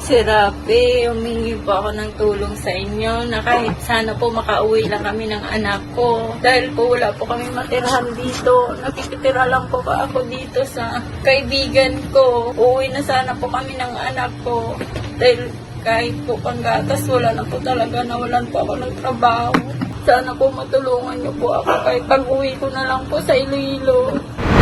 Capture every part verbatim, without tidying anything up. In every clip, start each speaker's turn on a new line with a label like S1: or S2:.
S1: Sir Rafi, humingi po ako ng tulong sa inyo na kahit sana po makauwi lang kami ng anak ko. Dahil po wala po kami matirahan dito. Nakikitira lang po ba ako dito sa kaibigan ko. Uwi na sana po kami ng anak ko. Dahil kahit po panggatas, wala na po talaga. Nawalan po ako ng trabaho. Sana po matulungan niyo po ako kahit pag-uwi ko na lang po sa Iloilo.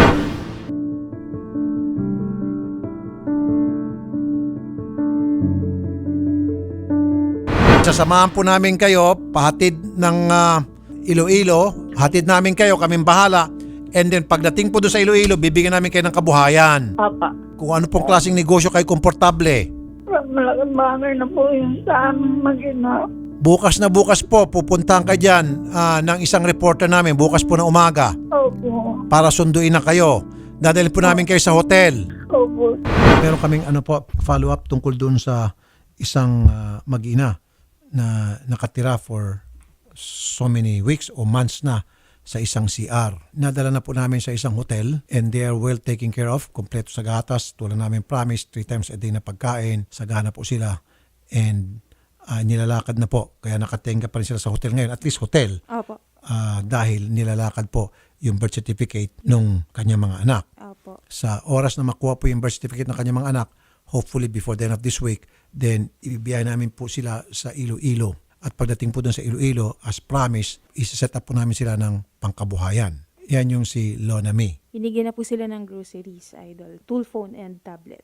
S2: Sasamahan po namin kayo, pahatid ng uh, Iloilo, hatid namin kayo, kaming bahala. And then pagdating po doon sa Iloilo, bibigyan namin kayo ng kabuhayan.
S1: Papa,
S2: Kung ano pong klaseng negosyo kayo komportable.
S1: malaking bagay na po yun sa aming mag-ina.
S2: Bukas na bukas po, pupuntahan kayo dyan uh, ng isang reporter namin, bukas po na umaga,
S1: Opo.
S2: para sunduin na kayo. Dadalhin po namin kayo sa hotel.
S1: Opo.
S2: Meron kaming ano po, follow-up tungkol doon sa isang uh, mag-ina na nakatira for so many weeks o months na sa isang C R. Nadala na po namin sa isang hotel and they are well taken care of. Kompleto sa gatas. Tulad namin promise, three times a day na pagkain. Sagana po sila. And uh, nilalakad na po. Kaya nakatenga pa rin sila sa hotel ngayon. At least hotel.
S3: Opo.
S2: Uh, dahil nilalakad po yung birth certificate nung kanyang mga anak.
S3: Opo.
S2: Sa oras na makuha po yung birth certificate ng kanyang mga anak, hopefully before the end of this week, then ibibigay namin po sila sa Iloilo. At pagdating po doon sa Iloilo, as promised, isa-set up po namin sila ng pangkabuhayan. Yan yung si Lona May.
S3: Binigyan na po sila ng groceries, idol. Tool phone and tablet.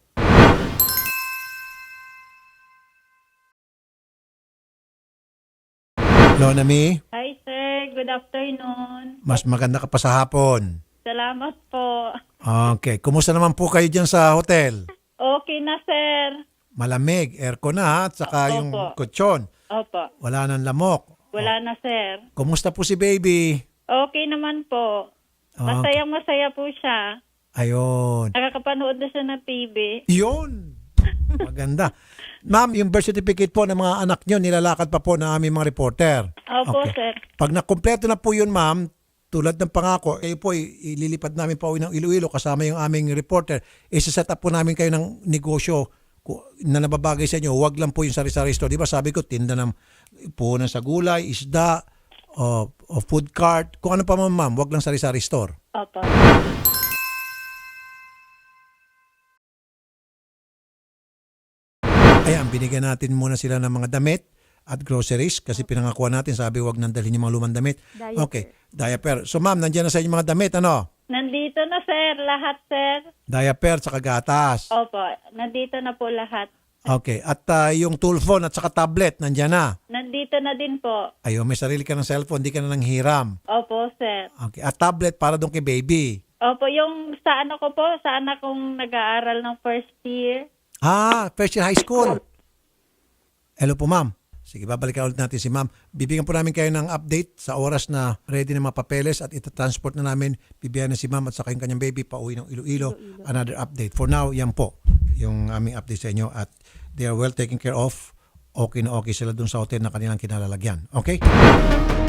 S2: Lona May,
S4: Hi sir, good afternoon.
S2: mas maganda ka pa sa hapon.
S4: Salamat po.
S2: Okay. Kumusta naman po kayo dyan sa hotel?
S4: Okay na sir.
S2: Malamig, aircon na ha, at saka yung
S4: Opo.
S2: kutsyon.
S4: Opo,
S2: Wala nang lamok.
S4: wala na sir.
S2: Kumusta po si baby?
S4: Okay naman po. Masayang masaya po siya.
S2: Ayun.
S4: Nakakapanood na siya ng T V.
S2: Yun. Maganda. Ma'am, yung birth certificate po ng mga anak nyo, nilalakad pa po ng aming mga reporter.
S4: Opo
S2: Okay.
S4: sir.
S2: Pag nakumpleto na po yun, ma'am, tulad ng pangako, kayo po i- ililipad namin pa uwi ng Iloilo kasama yung aming reporter. Isa-set up po namin kayo ng negosyo ku- na nababagay sa inyo. Huwag lang po yung sari-sari store. Di ba sabi ko, tinda ng puhunan sa gulay, isda, o, o food cart. Kung ano pa man, ma'am, huwag lang sari-sari store.
S4: Opo.
S2: Ayan, binigyan natin muna sila ng mga damit at groceries kasi pinangakuan natin, sabi wag nang dalhin yung mga lumang damit.
S3: Diaper.
S2: Okay, diaper. So ma'am, nandiyan na sa inyo mga damit, ano?
S4: Nandito na sir, lahat sir.
S2: Diaper, saka gatas.
S4: Opo, nandito na po lahat.
S2: Okay, at ah, yung tool phone at saka tablet, nandiyan na.
S4: Nandito na din po.
S2: Ayun, may sarili ka ng cellphone, di ka na nang hiram.
S4: Opo sir.
S2: Okay, at tablet para doon kay baby.
S4: Opo, yung sa ano ko po, sa anak kong nag-aaral ng first year.
S2: Ah, first year high school. Hello po, ma'am. Sige, babalikan ulit natin si ma'am. Bibigyan po namin kayo ng update sa oras na ready na mga papeles at itatransport na namin. Bibigyan na si ma'am at saka yung kanyang baby pa uwi ng Iloilo. Another update. For now, yan po yung aming update sa inyo at they are well taken care of. Okay na okay sila dun sa hotel na kanilang kinalalagyan. Okay?